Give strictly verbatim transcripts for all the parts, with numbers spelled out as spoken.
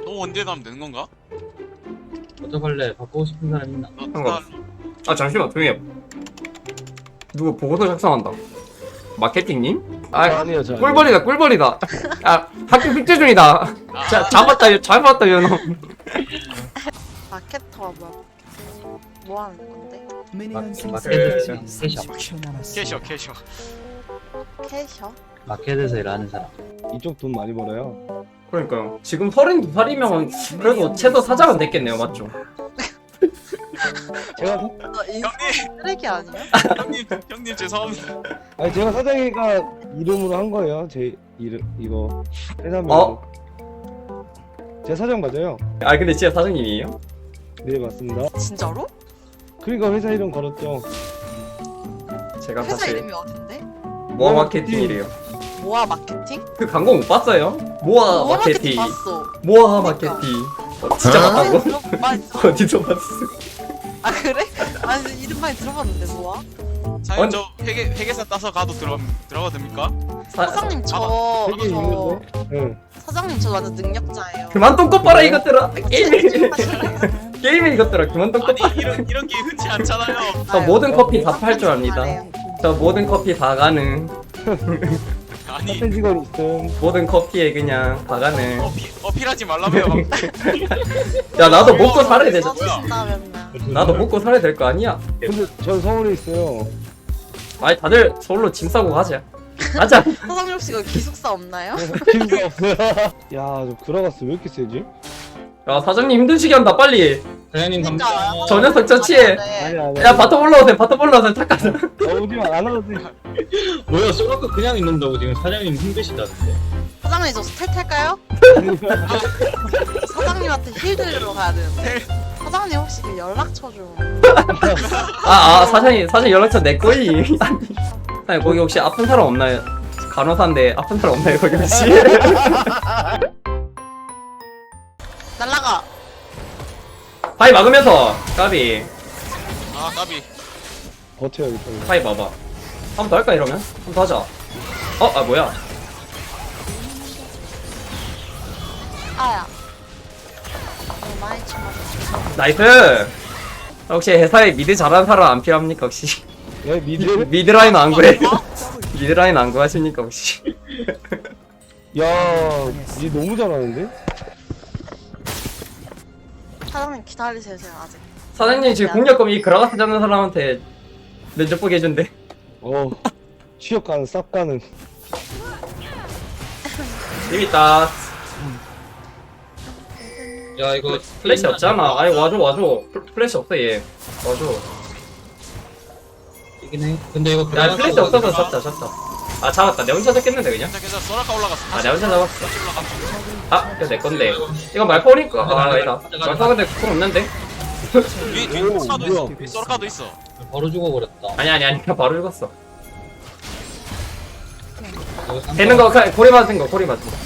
또 언제 가면 되는 건가? 어떡할래? 바꾸고 싶은 사람 있나? 너 상관없어. 아 잠시만 조용히 해. 누구 보고서 작성한다. 마케팅님? 아 아니요 저 꿀벌이다 꿀벌이다. 아 학교 숙제 중이다. 자 잡았다 잡았다 연호. 마케터가 뭐야? 뭐 하는 건데? 마켓에서 캐셔. 캐셔 캐셔. 캐셔? 마켓에서 일하는 사람. 이쪽 돈 많이 벌어요. 그러니까요. 지금 서른두 살이면 그래도 최소 사장은 됐겠네요, 맞죠? 제가 너 인성 쓰레기 아니야? 형님 형님 죄송합니다. 아니 제가 사장이가 이름으로 한 거예요. 제 이름 이거 회사명. 어? 제가 사장 맞아요. 아 근데 진짜 사장님이에요? 네 맞습니다. 진짜로? 그러니까 회사 이름 걸었죠. 제가 회사 사실 이름이 어딘데? 모아 마케팅이래요. 모아 마케팅? 그 광고 못 봤어요? 모아 모아 마케팅. 마케팅 봤어. 모아 그러니까. 마케팅. 어, 진짜 봤다고? 들어, 많이 들어. 어디서 봤어? 아 그래? 아니 이름 많이 들어봤는데 모아? 사장님 아니- 저 회계 회계사 따서 가도 들어 들어가 됩니까? 사, 사장님 저, 되게 저 있는데. 응. 사장님 저 완전 능력자예요. 그만 똥꼬 빨아 이것들아. 게임에 하실래요? 게임에 이것들아 그만 똥꼬 아니 빨아. 이런 이런 게 흔치 않잖아요. 저 모든 커피 다 팔 줄 압니다. 잘해요. 저 모든 커피 다 가능. 아니 사태 직원 있음. 모든 커피에 그냥 다 가능. 어필 어필하지 말라며요. 야 나도 먹고 살아야 되잖아. 써주신다면 나도 먹고 살아야 될 거 아니야? 근데 전 서울에 있어요. 아니 다들 서울로 짐 싸고 가자. 가자. 사장님 혹시 그 기숙사 없나요? 기회가 없어요. 야, 저 그라가스 왜 이렇게 세지? 야 사장님 힘드시게 한다 빨리. 사장님 진짜 감사합니다. 저 녀석 저치해. 아니 아니. 야 바텀 올라오세요. 바텀 올라오세요. 탁가자. 어디만 안 하도 돼. 뭐야, 소라카 그냥 있는다고 지금 사장님 힘드시다는데. 사장님 저 스텔 탈까요? 사장님한테 힐 들으러 가야 되는데 사장님 혹시 그 연락처 좀 아아 사장님 사장님 연락처 내 거이. 아니 사장님 거기 혹시 아픈 사람 없나요? 간호사인데 아픈 사람 없나요 거기 혹시? 날라가. 파이 막으면서 까비. 아 까비. 버텨야겠다. 파이 봐봐. 한 번 더 할까 이러면? 한 번 더 하자. 어? 아 뭐야? 아야. 어, 많이 쳐맞았어. 나이스. 혹시 회사에 미드 잘하는 사람 안 필요합니까 혹시? 야, 미드? 미드라인 안 구해? 미드라인 안 구하십니까 혹시? 야, 이 너무 잘하는데? 사장님 기다리세요 제가 아직. 사장님 지금 공략검 이 그라가스 잡는 사람한테 면접 보게 해준대. 어, 취업 가능, 쌉 가능. 재밌다. 야, 이거 플래시 없잖아. 아니 와줘 와줘. 플- 플래시 없어 얘. 와줘. 이긴 해. 근데 이거 야 플래시 없어서 잡자 잡자. 아 잡았다. 내 혼자 잡겠는데 그냥? 괜찮 괜찮. 소라카 올라갔어. 아 내 혼자 잡았어. 올라갔어. 아 이거 내 건데. 이거 말파오니까 아 아니다. 말파 근데 그건 없는데. 뒤 뒤에 오, 소라카도 뭐야. 있어. 뒤에 소라카도 있어. 바로 죽어버렸다. 아니 아니 아니 바로 죽었어. 이거 쌈- 되는 거 가- 고리 맞은 거 고리 맞은 거.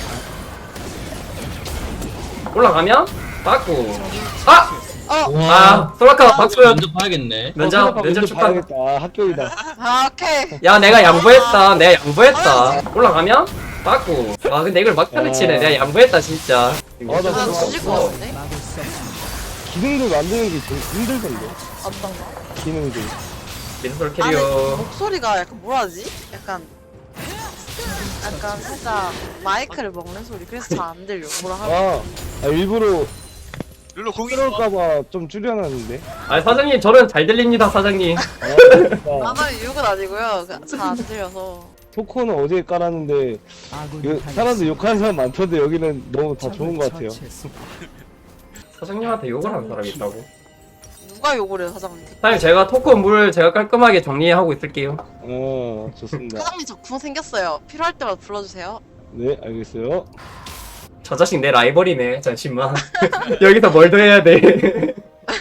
올라가면 맞고. 아! 어. 와. 아 소라카 박수연. 먼저 봐야겠네. 면접 어, 면접 축하. 봐야겠다. 아, 합격이다. 아 오케이. 야 내가 양보했다. 내가 양보했다. 올라가면 맞고. 아 근데 이걸 막판에 치네. 내가 양보했다 진짜. 아, 나 나 그거 죽일 것 같은데? 기능들 만드는 게 제일 힘들던데. 어떤 거? 기능들. 민솔 아니 캐리어. 목소리가 약간 뭐라지? 약간 약간 살짝 마이크를 먹는 소리. 그래서 잘 안 들려. 뭐라 하는 아, 아 일부러 룰루 공이 그럴까봐 좀 줄여놨는데. 아 사장님 저는 잘 들립니다 사장님. 아, 진짜. 안 하면 욕은 아니고요. 잘 안 들려서. 토코는 어제 깔았는데 이거 사람들 욕하는 사람 많던데 여기는 너무 다 좋은 것 같아요. 사장님한테 욕을 하는 사람이 있다고. 누가 욕을 해요 사장님? 사장님 제가 토크 물 제가 깔끔하게 정리하고 있을게요. 어, 좋습니다. 사장님 저 구멍 생겼어요. 필요할 때마다 불러주세요. 네, 알겠어요. 저 자식 내 라이벌이네. 잠시만. 여기서 뭘 더 해야 돼?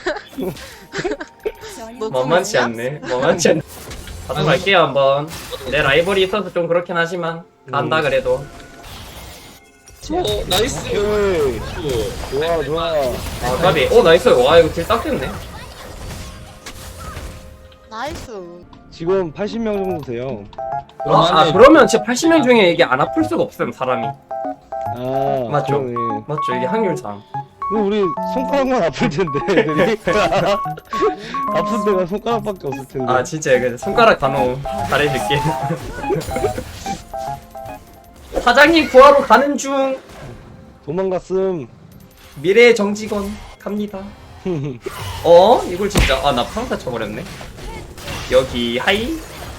만만치 않네. 만만치 않네. 가서 갈게요 한번. 내 라이벌이 있어서 좀 그렇긴 하지만 간다 음. 그래도. 오, 나이스. 오케이. 좋아, 좋아. 아 까비. 오 나이스. 와 이거 딜 딱 됐네. 나이스. 지금 팔십 명 정도 돼요. 아, 아 그러면 진짜 팔십 명 중에 이게 안 아플 수가 없음 사람이. 아 맞죠? 그러네. 맞죠? 이게 확률상. 근데 우리 손가락만 아플 텐데 애들이 아픈 데가 손가락밖에 없을 텐데. 아 진짜 그 손가락 단어 잘해줄게. 사장님 구하러 가는 중. 도망갔음. 미래의 정직원 갑니다. 어? 이걸 진짜 아 나 평타 쳐버렸네. 여기 하이.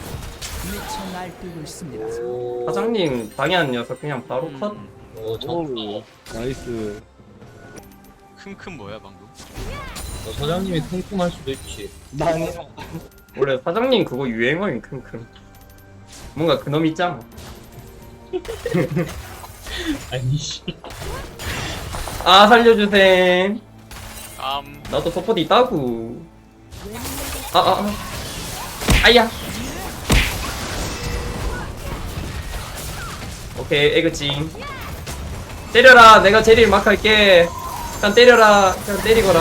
사장님 방해한 녀석 그냥 바로 컷. 오, 저, 오 나이스. 킁킁 뭐야 방금? 저 사장님이 퉁퉁할 수도 있지. 나 아니야. 원래 사장님 그거 유행어인 킁킁. 뭔가 그놈 있잖아. 아니, 씨. 아 살려주셈. 깜. 나도 서포트 있다고. 아아 아, 아. 아야. 오케이 에그찡. 때려라. 내가 제리를 막 할게. 그냥 때려라. 그냥 때리거라.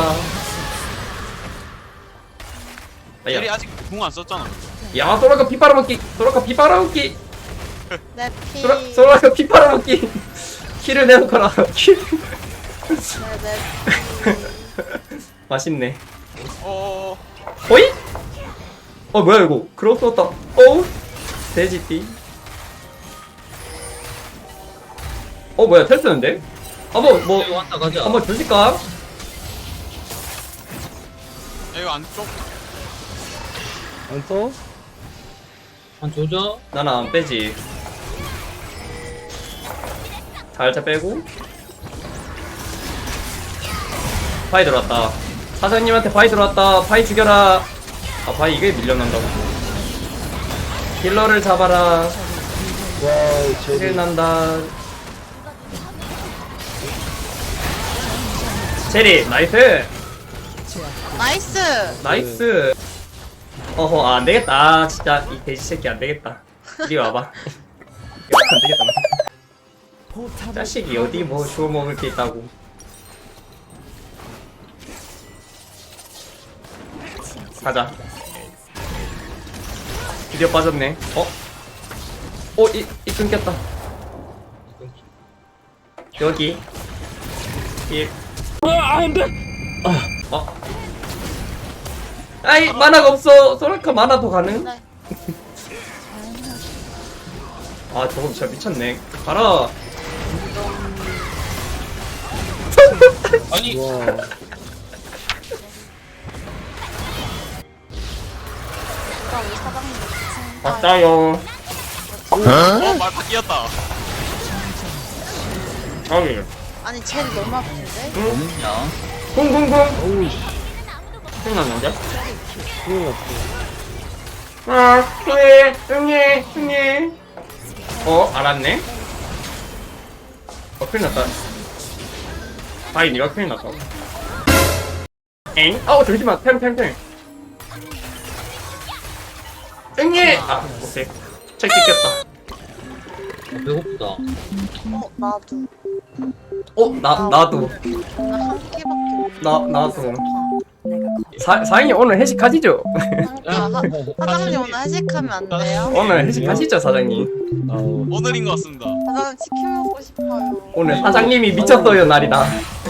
제리 아야. 아직 궁 안 썼잖아. 야 소라카 피 빨아먹기. 소라카 피 빨아먹기. 내 피. 소라 소라카 피 빨아먹기. 키를 내놓거라. 키. 내 피. 맛있네. 어. 호이? 어 뭐야 이거 크로스 왔다. 어우 돼지띠. 어 뭐야 텔스는데? 한번 뭐 이거 왔다 가자. 한번 조질까? 야, 이거 안쪽. 안 써? 한 조져. 나는 안 빼지. 살짝 빼고. 바이 들어왔다. 사장님한테 바이 들어왔다. 바이 죽여라. 아 바이 이게 밀려난다고. 딜러를 잡아라. 와 킬 제리. 난다. 제리 나이스. 나이스. 나이스. 어허 아, 안되겠다. 아, 진짜 이 돼지 새끼 안되겠다. 이리 와봐. 이거 안되겠다. 자식이 어디 뭐 주워 먹을 게 있다고. 가자. 드디어 빠졌네. 어? 어? 이, 이 끊겼다. 여기 일. 어? 아이 만화가 없어. 소라카 만화 더 가능? 네. 아 저거 진짜 미쳤네. 가라. 아니, 와. 누가 우리 사장님 아, 맞다요. 어 말파 끼었다. 저기 아니 쟤는 너무 아픈데? 뭐냐? 쿵쿵쿵. 어우 씨. 생각났는데? 큰일 났어. 아 형님 형님 형님. 어 알았네. 어 큰일 났다. 아이 니가 큰일 났다. 엥? 아우 잠시만 템템템. 형님. 아 오케이. 책 찍혔다. 아, 배고프다. 어 나도. 어 나 나도 나 한 끼밖에 못. 나 나도. 사 사장님 오늘 회식하시죠? 그러니까 사- 사장님 오늘 회식하면 안 돼요? 오늘 회식하시죠 사장님? 아우. 오늘인 것 같습니다. 사장님 치킨 먹고 싶어요. 오늘 사장님이 미쳤어요 날이다.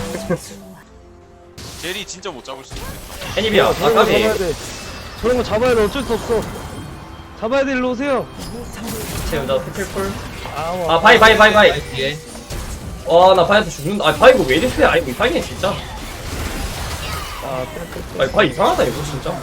제리 진짜 못 잡을 수 있겠다. 애니비야 저런 거 아까비. 잡아야 돼. 저런 거 잡아야 돼. 어쩔 수 없어. 잡아야 돼. 일로 오세요. 지금 나 스킬풀. 아, 아 바이 바이 바이 바이. 나이스, 얘. 와나 바이한테 죽는다. 아 바이 이거 왜 이리 세? 아 이거 이상해 진짜. 아, 아 바이 이상하다 이거 진짜.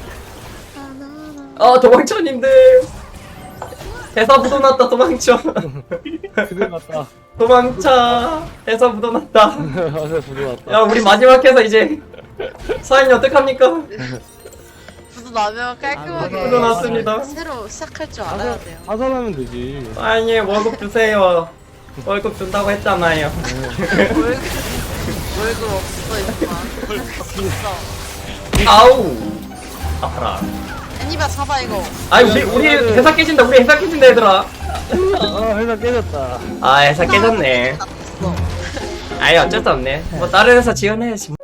아 도망쳐님들. 대사 묻어놨다 도망쳐. 그대 났다. 도망쳐. 대사 묻어놨다. 맞아, 부러웠다. 야 우리 마지막 해서 이제 사인이 어떡합니까? 부도 나면 깔끔하게 부도 났습니다. 새로 시작할 줄 알아야 돼요. 하산하면 되지. 사인이 월급 주세요. 월급 준다고 했잖아요. 월급 월급 없어 임마. 없어. 아우 아파라. 애니바 잡아 이거. 아이 우리 우리 회사 깨진다. 우리 회사 깨진다 얘들아. 아, 회사 깨졌다. 아 회사 깨졌네. 났어. 아이 어쩔 수 없네. 뭐 다른 회사 지원해야지.